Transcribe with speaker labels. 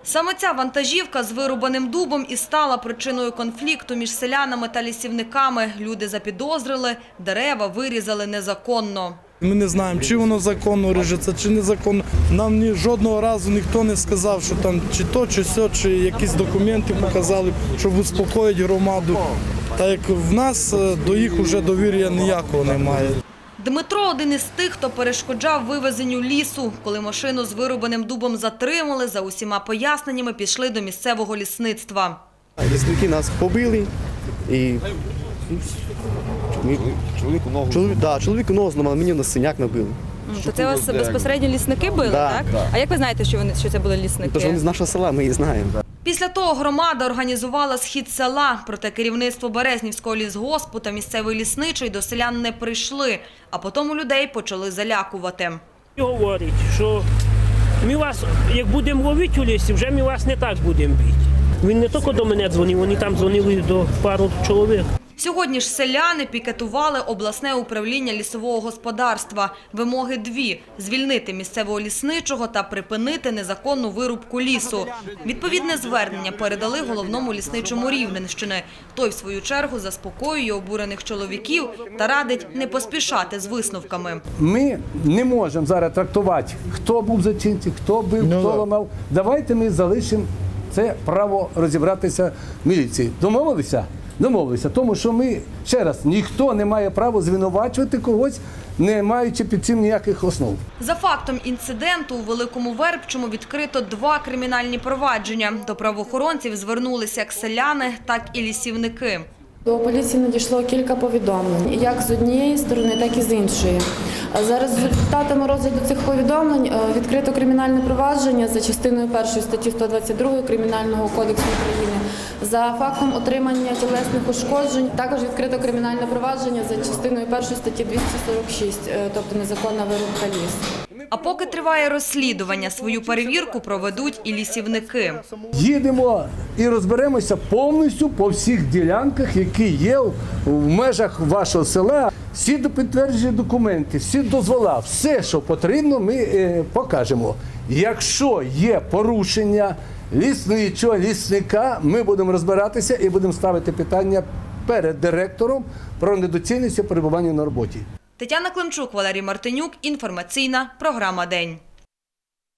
Speaker 1: Саме ця вантажівка з вирубаним дубом і стала причиною конфлікту між селянами та лісівниками. Люди запідозрили, дерева вирізали незаконно.
Speaker 2: Ми не знаємо, чи воно законно ріжеться, чи незаконно. Нам жодного разу ніхто не сказав, що там чи то, чи сьо, чи якісь документи показали, щоб успокоїти громаду. Так як в нас до їх вже довір'я ніякого немає.
Speaker 1: Дмитро – один із тих, хто перешкоджав вивезенню лісу. Коли машину з вирубаним дубом затримали, за усіма поясненнями пішли до місцевого лісництва.
Speaker 3: Лісники нас побили і чоловіку ногу зламали, мені на синяк набили.
Speaker 4: То це вас безпосередньо лісники били, так? А як ви знаєте, що це були лісники?
Speaker 3: Тому що вони з нашого села, ми їх знаємо.
Speaker 1: Після того громада організувала схід села, проте керівництво Березнівського лісгоспу та місцевий лісничий до селян не прийшли, а потім людей почали залякувати.
Speaker 5: Говорить, що ми вас, як будемо ловити у лісі, вже ми вас не так будемо бити. Він не тільки до мене дзвонив, вони там дзвонили до пару чоловік.
Speaker 1: Сьогодні ж селяни пікетували обласне управління лісового господарства. Вимоги дві – звільнити місцевого лісничого та припинити незаконну вирубку лісу. Відповідне звернення передали головному лісничому Рівненщини. Той, в свою чергу, заспокоює обурених чоловіків та радить не поспішати з висновками.
Speaker 6: Ми не можемо зараз трактувати, хто був зачинцем, хто бив, хто ламав. Давайте ми залишимо це право розібратися в міліції. Домовилися? Домовилися, тому що ми, ще раз, ніхто не має права звинувачувати когось, не маючи під цим ніяких основ.
Speaker 1: За фактом інциденту у Великому Вербчому відкрито 2 кримінальні провадження. До правоохоронців звернулися як селяни, так і лісівники.
Speaker 7: До поліції надійшло кілька повідомлень, як з однієї сторони, так і з іншої. За результатами розгляду цих повідомлень відкрито кримінальне провадження за частиною 1 статті 122 Кримінального кодексу України за фактом отримання тілесних ушкоджень. Також відкрито кримінальне провадження за частиною 1 статті 246, тобто незаконна вирубка лісу.
Speaker 1: А поки триває розслідування, свою перевірку проведуть і лісівники.
Speaker 6: Їдемо і розберемося повністю по всіх ділянках, які є в межах вашого села. Всі підтверджені документи, всі дозвола, все, що потрібно, ми покажемо. Якщо є порушення лісничого, лісника, ми будемо розбиратися і будемо ставити питання перед директором про недоцільність перебування на роботі.
Speaker 1: Тетяна Климчук, Валерій Мартинюк. Інформаційна програма «День».